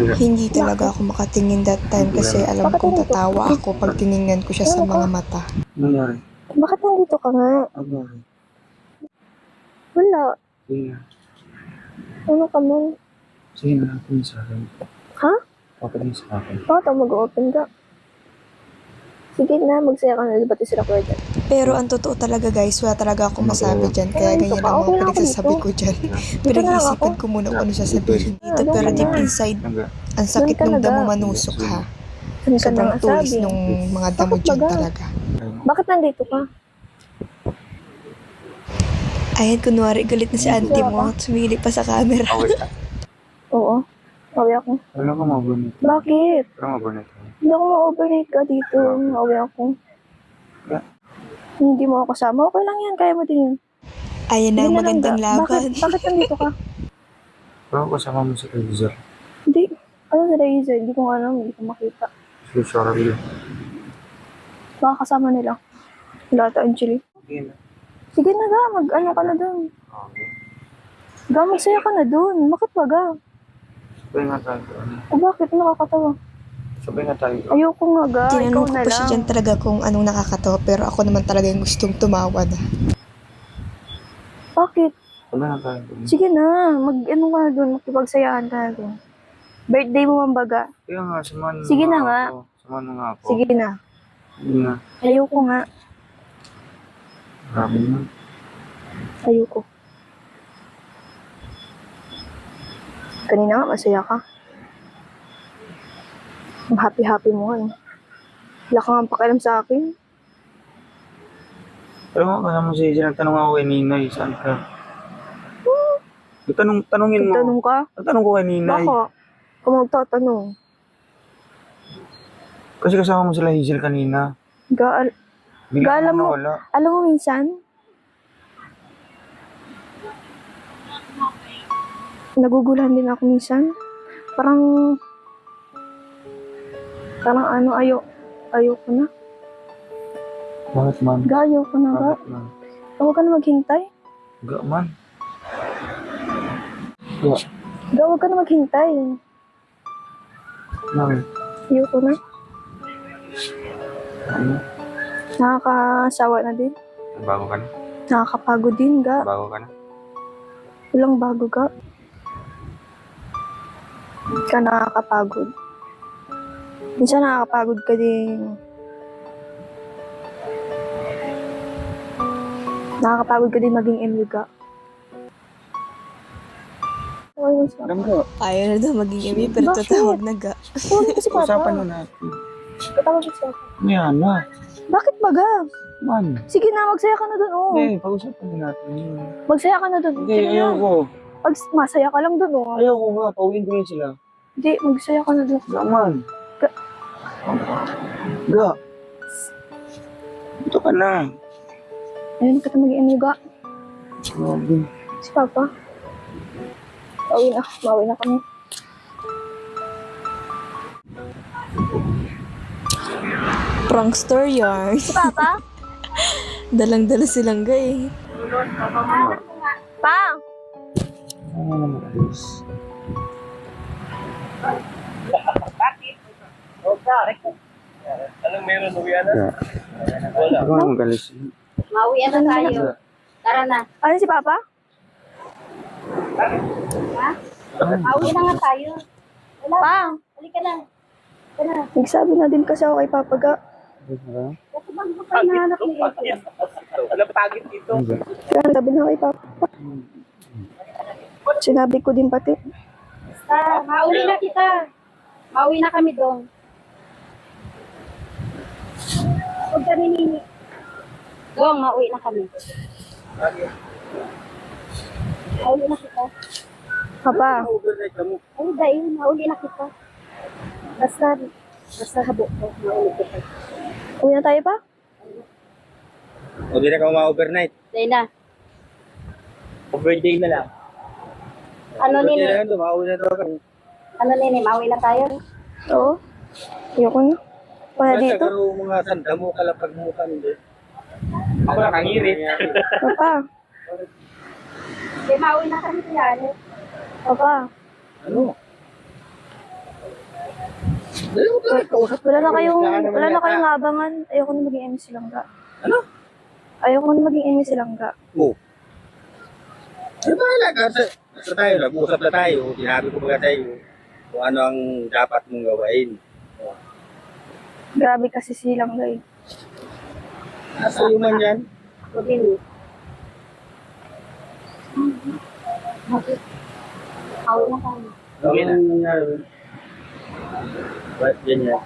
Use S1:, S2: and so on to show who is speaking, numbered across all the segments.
S1: Hindi talaga ako makatingin that time kasi alam kong tatawa ako pag tiningnan ko siya sa mga mata.
S2: Nangyari?
S3: Bakit nandito ka nga?
S2: Ano?
S3: Wala.
S2: Sige na.
S3: Ano ka man?
S2: Sige na, papadin sa akin.
S3: Ha?
S2: Papadin sa akin.
S3: Bakit mag-open ka? Sige na, magsaya ka na. Ba't sila ko dyan?
S1: Pero ang totoo talaga guys, wala talaga akong masabi dyan. Kaya ganyan ang mga pinagsasabi ko dyan. Pinag-iisipan ko muna kung ano sasabihin dito. Pero deep inside, ang sakit ng damo manusok ha. Sobrang tulis nung mga damo dyan talaga.
S3: Bakit nandito ka?
S1: Ayan, kunwari galit na si auntie mo. Sumili pa sa camera.
S2: Away ka?
S3: Oo. Awi ako.
S2: Wala ka ma-overnight.
S3: Bakit?
S2: Wala ma-overnight.
S3: Hindi ako ma-overnight ka dito. Awi ako.
S2: Yeah.
S3: Hindi mo ako kasama. Okay lang yan. Kaya mo din yun.
S1: Ayan na,
S3: Hindi lang
S1: magandang
S3: ga.
S1: laban.
S3: Bakit nandito ka?
S2: Wala ko kasama mo sa televisor.
S3: Hindi. Ano sa laser? Hindi ko alam. Hindi ko makita.
S2: So sorry.
S3: Baka kasama nila. Wala ata, Angeli.
S2: Sige na.
S3: Sige na ga. Mag-ano ka na dun.
S2: Okay.
S3: Ga, magsaya ka na dun. Bakit ba ga?
S2: Sabay nga tayo.
S3: O bakit? Nakakatawa.
S2: Sabay nga tayo.
S3: Ayoko nga ga. Ikaw
S1: Tinanong ko
S3: na
S1: pa siya
S3: lang.
S1: dyan talaga kung anong nakakatawa. Pero ako naman talaga yung gustong tumawa na.
S3: Bakit?
S2: Sabay nga tayo.
S3: Sige na. Mag-ano ka na dun. Makipagsayahan ka na dun. Birthday mo man baga.
S2: Kaya nga, samahan mo
S3: Sige na
S2: nga
S3: nga.
S2: ako. Samahan mo nga ako.
S3: Sige na.
S2: Sige na.
S3: Ayoko nga.
S2: Grabe na.
S3: Ayoko. Kanina nga, masaya ka. Ang happy-happy mo nga eh. Wala ka nga pakialam sa akin.
S2: Alam mo, kasama si Hazel, nagtanong ako kay Ninay, saan ka? Tanungin mo.
S3: Nagtanong ka?
S2: Nagtanong ko kay Ninay.
S3: Baka. Kung magtatanong.
S2: Kasi kasama mo sila Hazel kanina. Bigla
S3: Alam
S2: mo
S3: mo-
S2: nawala.
S3: Alam mo minsan, nagugulahan din ako minsan. Parang ano, ayoko na.
S2: Bakit man?
S3: Ayoko na ga.
S2: Bakit man?
S3: Huwag ka na maghintay.
S2: Ga man. Ga.
S3: Huwag ka na maghintay.
S2: Bakit?
S3: Ayoko na.
S2: Ano?
S3: Nakakasawa na din.
S2: Bago ka na?
S3: Nakakapagod din ga.
S2: Bago ka na?
S3: Walang bago ga. Hindi ka nakakapagod. Minsan nakakapagod ka din. Nakakapagod ka din maging MU ga. Okay lang siya.
S2: Alam ko,
S1: Ayaw na daw maging imi, pero
S3: Bakit?
S1: tatawag na ga.
S3: Huwag mo kasi
S2: usapan
S3: papa.
S2: mo natin.
S3: Tatawag ko siya.
S2: Yan na.
S3: Bakit ba ga?
S2: Man.
S3: Sige na, magsaya ka na dun. Oh.
S2: Hindi, pag-usapan din natin.
S3: Magsaya ka na dun.
S2: Hindi,
S3: Sige na.
S2: ayoko.
S3: Pag masaya ka lang dun. Oh.
S2: Ayoko nga, pauwiin ko yun sila.
S3: Hindi, magsaya ka na dun.
S2: Ga man.
S3: Ga.
S2: Ga. Ito ka na.
S3: Ayun, kita maging MU ga.
S2: Grabe.
S3: Si Papa. Mauwi na kami.
S1: Prankster yarn.
S3: Si Papa?
S1: Dalang-dala silang ga eh.
S3: Pa!
S2: Ano naman guys?
S4: Anong meron, uwian na?
S2: Ga. Wala. Ako nga magalis.
S5: Mauwian na tayo. Tara na.
S3: Ano si Papa?
S5: Ha? Mauwi na nga tayo. Wala.
S3: Pa!
S5: Halika na.
S3: Nagsabi na din kasi ako kay Papa ga.
S5: Kasi bago ko pa hinahanap ni April.
S4: Anong pagit dito?
S3: Kaya sabi na kay Papa. Sinabi ko din pati.
S5: Basta, mauwi na kita. Mauwi na kami doon. Huwag kami nini. Doon, mauwi na kami. Mauwi na kita.
S3: Papa,
S5: Ay, dahil, mauwi na kita. Basta habok ko. Mauwi kita.
S3: uwi na tayo pa?
S4: O, di na ka ma-overnight.
S5: Dahil na.
S4: Birthday na lang.
S5: Ano
S4: Birthday
S5: nini?
S4: na lang, tumawin na daw kami.
S5: Ano nini? Mauwi na tayo?
S3: Oo. Ayoko na. Wala dito.
S4: Nagkakaroon mga tanda mo, kalapag mo kami. Ako lang kangirit.
S3: Papa,
S5: Hindi, mauwi na kami kaya.
S3: Papa.
S4: Ano?
S3: Wala na kayong abangan. Ayoko na maging MC Langga.
S4: Ano?
S3: Ayoko na maging MC Langga.
S4: Ano ba halaga? Basta tayo, nag-uusap na tayo. Sinabi ko ba sa'yo kung ano ang dapat mong gawain.
S3: Grabe kasi si Langga eh.
S4: Nasa iyo man yan.
S5: O din. Awit na tayo.
S4: Okay na. Ano nangyari? Ba't ganyan?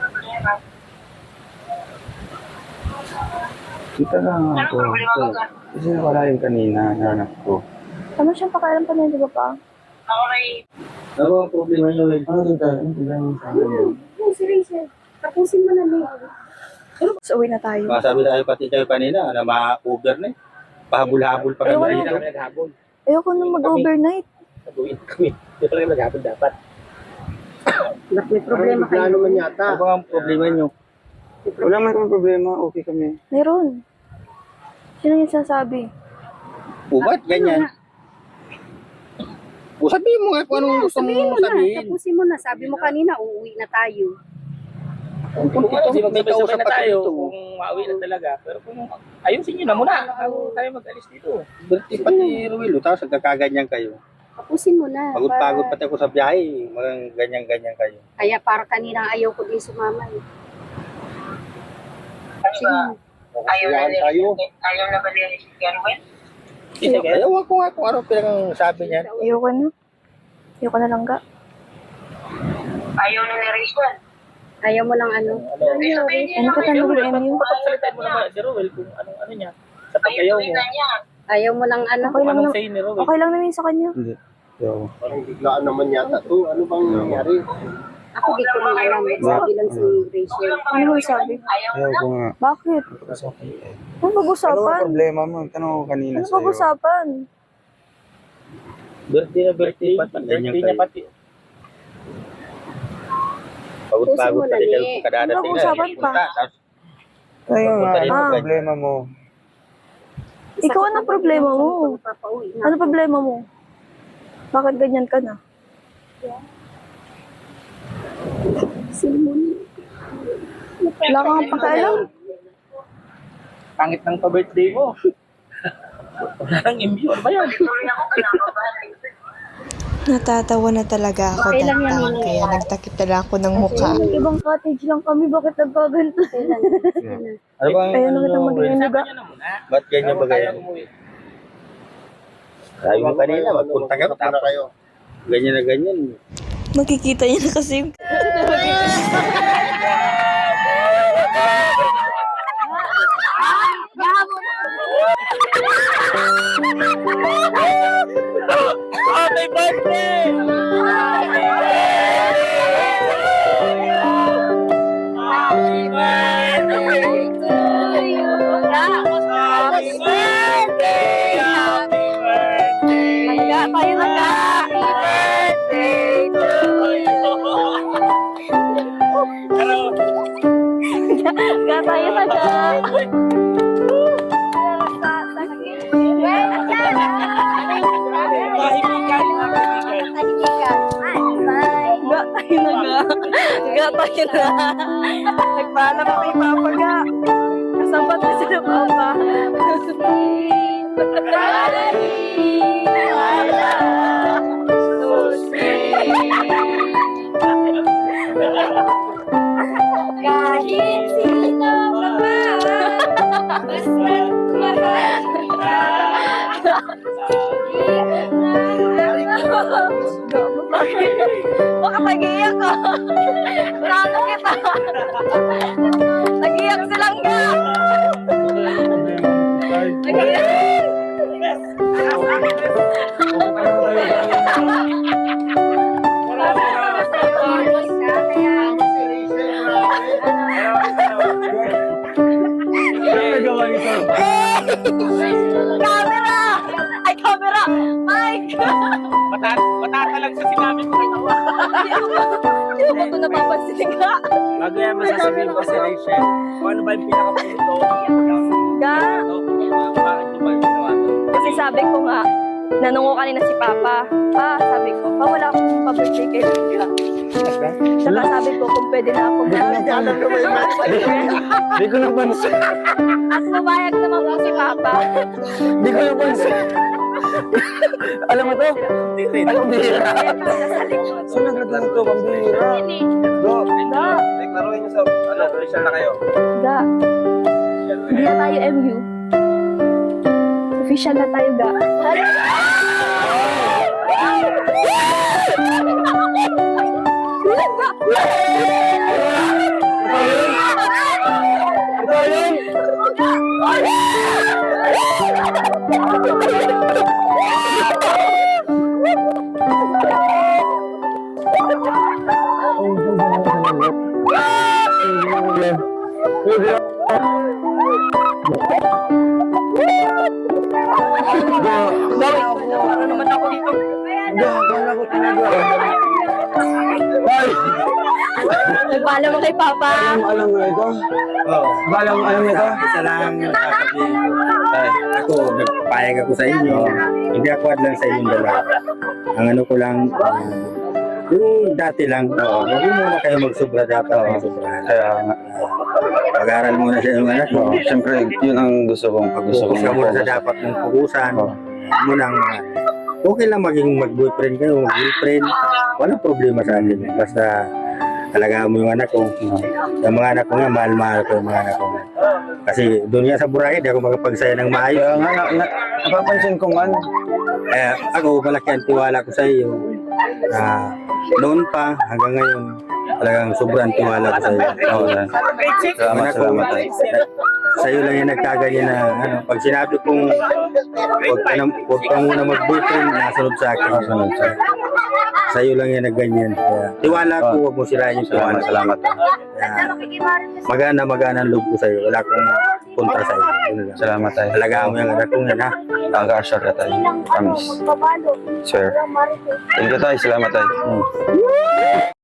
S2: Kita lang ako. Kasi wala yung kanina, nanak ko.
S3: Ano siyang pakialam pa niya, di ba pa?
S4: Ano ang problema nyo?
S2: Ano din tayo? Ano din sa akin?
S5: Hey, si Rachel. Tapusin mo na Leo.
S3: So, uwi na tayo.
S4: Masabi tayo pati kayo kanina na ma-over na eh. Pahabol-habol pa kami.
S3: Ayoko
S4: Hindi
S3: na.
S4: na kami naghabol.
S3: Ayoko na mag-overnight.
S4: Nag-uwi kami. Hindi pala kami naghabol dapat.
S5: May problema kayo.
S4: Ano ba ang problema nyo?
S2: Wala man kami problema, okay kami.
S3: Meron. Sino yung sasabi?
S4: Ba't ganyan? O sabihin mo nga kung anong gusto
S5: Sabihin
S4: mong
S5: mo na.
S4: sabihin.
S5: Tapusin mo na. Sabi mo kanina, uuwi na tayo.
S4: Kung may kausap na tayo, kung mauwi na talaga. Pero kung ayusin nyo na muna, bago tayo mag-alis dito. Berti pati Ruel, tapos nagkakaganyan kayo.
S5: Tapusin mo na.
S4: Pagod-pagod pati ako sa biyahe, mga ganyan-ganyan kayo.
S5: Kaya para kanina ayaw ko din sumama eh.
S4: Ayaw na tayo.
S6: Ayaw na ba nila si Carmen?
S4: Ewan ko nga kung ano pinang sabi niya.
S3: Ayoko na. Ayoko na Langga.
S6: Ayaw na ni Rachel.
S5: Ayaw mo lang ano.
S3: Ano ka tanong ng MU?
S4: Pagsalitan mo naman si Ruel kung anong ano niya. Sa pag-ayaw mo.
S5: Ayaw mo lang ano.
S3: Okay lang,
S4: Anong say ni Ruel.
S3: okay lang naman sa kanya.
S2: Hindi. Yo.
S4: Parang biglaan naman yata to. Ano bang nangyari?
S5: Ako di ko lang alam. Sabi lang si Rachel.
S3: Ano mo sabi?
S2: Ayaw ko nga.
S3: Bakit?
S2: Okay.
S3: Ano
S2: Ano ang
S3: pag-usapan?
S2: problema mo? Tanong ko kanina
S3: Ano
S2: sa'yo.
S3: pag-usapan?
S4: Birthday na birthday. Birthday niya pati. Pagod-pagod
S5: Puso mo
S4: pati
S5: na,
S4: kayo
S5: Nick.
S4: kadadating
S3: Ano usapan pa?
S2: Ayun nga,
S4: Punta rin
S2: ano
S3: Ah.
S2: ang problema mo?
S3: Ikaw ano problema mo?
S5: Papauwi na.
S3: Ano problema mo? Bakit ganyan ka na? Wala kang pakialam.
S4: Pangit ng pa-birthday mo. Wala nang imbyo. Ano ba yan?
S1: Natatawa na talaga ako
S5: Okay lang yan,
S1: that time,
S5: Nini.
S1: kaya nagtakip na lang ako ng mukha.
S3: Ibang cottage lang kami, bakit nagkaganto?
S4: Ano ba?
S3: Ayaw na kitang mag-inuga.
S4: Ba't ganyan ba ganyan? Sabi mo kanina, magpunta ka tapos ganyan na ganyan.
S1: Makikita niya na kasi yung...
S4: Happy birthday! Happy birthday to you! Happy birthday! Happy birthday!
S3: Langga, tayo langga!
S4: Happy birthday to you! Ano?
S3: Langga, tayo langga!
S4: Mahibigan, mahibigan.
S3: Ga tayo na ga. Ga tayo na. Nagpaalam ako kay Papa ga. Kasabat na sila Papa.
S5: Kahit sino ka man, basta't mahal kita.
S3: Baka nag-iiyak ka. Plano kita. Nag-iiyak silang ga. Nag-iiyak. Camera! Ay, camera! Mike!
S4: Matatalag sa sinabi ko ito.
S3: Hindi mo ito napapansin ka.
S4: Bago yan masasabihin ko si Rachel, kung ano ba yung pinaka-puto
S3: Ga.
S4: bakit nyo ba ginawa to?
S3: Kasi sabi ko nga, nanungo kanina si Papa. Pa, sabi ko, pa wala akong pa-birthday kay Langga. Saka sabi ko kung pwede na ako
S2: Di ko napansin.
S3: At pumayag naman po si Papa.
S2: Di ko napansin. Alam mo to? Pambihira. Saan naglagan to? Pambihira. Go. Naglaruin niyo sa, official na kayo.
S3: Ga. Hindi na tayo MU. Official na tayo, Ga. Ano naman ako dito? Nagpaalam mo kay Papa.
S2: Alam mo ito?
S4: Oo.
S2: Alam mo ito?
S4: Isa lang yung sasabihin ko. Ako, nagpapayag ako sa inyo. Hindi ako lang sa inyong dalawa. Ang ano ko lang, yung dati lang, huwag muna kayo magsobra dapat. Magsobra.
S2: Kaya nga.
S4: Pag-aaral muna sa inyong anak mo.
S2: Siyempre, yun ang gusto kong
S4: Focus ka muna sa dapat mong pukusan. Munang okay lang maging mag-boyfriend kayo, mag-girlfriend. Walang problema sa akin. Basta alagaan mo yung anak ko. Yung mga anak ko nga, mahal-mahal ko yung mga anak ko. Kasi doon nga sa Boracay, di ako makapagsaya ng maayos.
S2: Kaya nga, napapansin ko man.
S4: Ako, malaki ang tiwala ko sa iyo. Noon pa, hanggang ngayon, talagang sobrang tiwala ko sa iyo.
S2: Salamat tayo.
S4: Sa iyo lang yung nagkaganyan na, pag sinabi kong huwag ka muna mag-boyfriend, nasunod sa akin. Sa iyo lang yung nagganyan. Kaya, tiwala ko, huwag mo sirain yung tiwala.
S2: Salamat.
S4: Magana ang loob ko sa iyo. Wala akong kontra sa iyo. Yun lang.
S2: Salamat tayo.
S4: Alagaan mo yung anak ko yan, ha?
S2: Nag-assure ka tayo. Promise. Sir. Thank you tayo. Salamat tayo.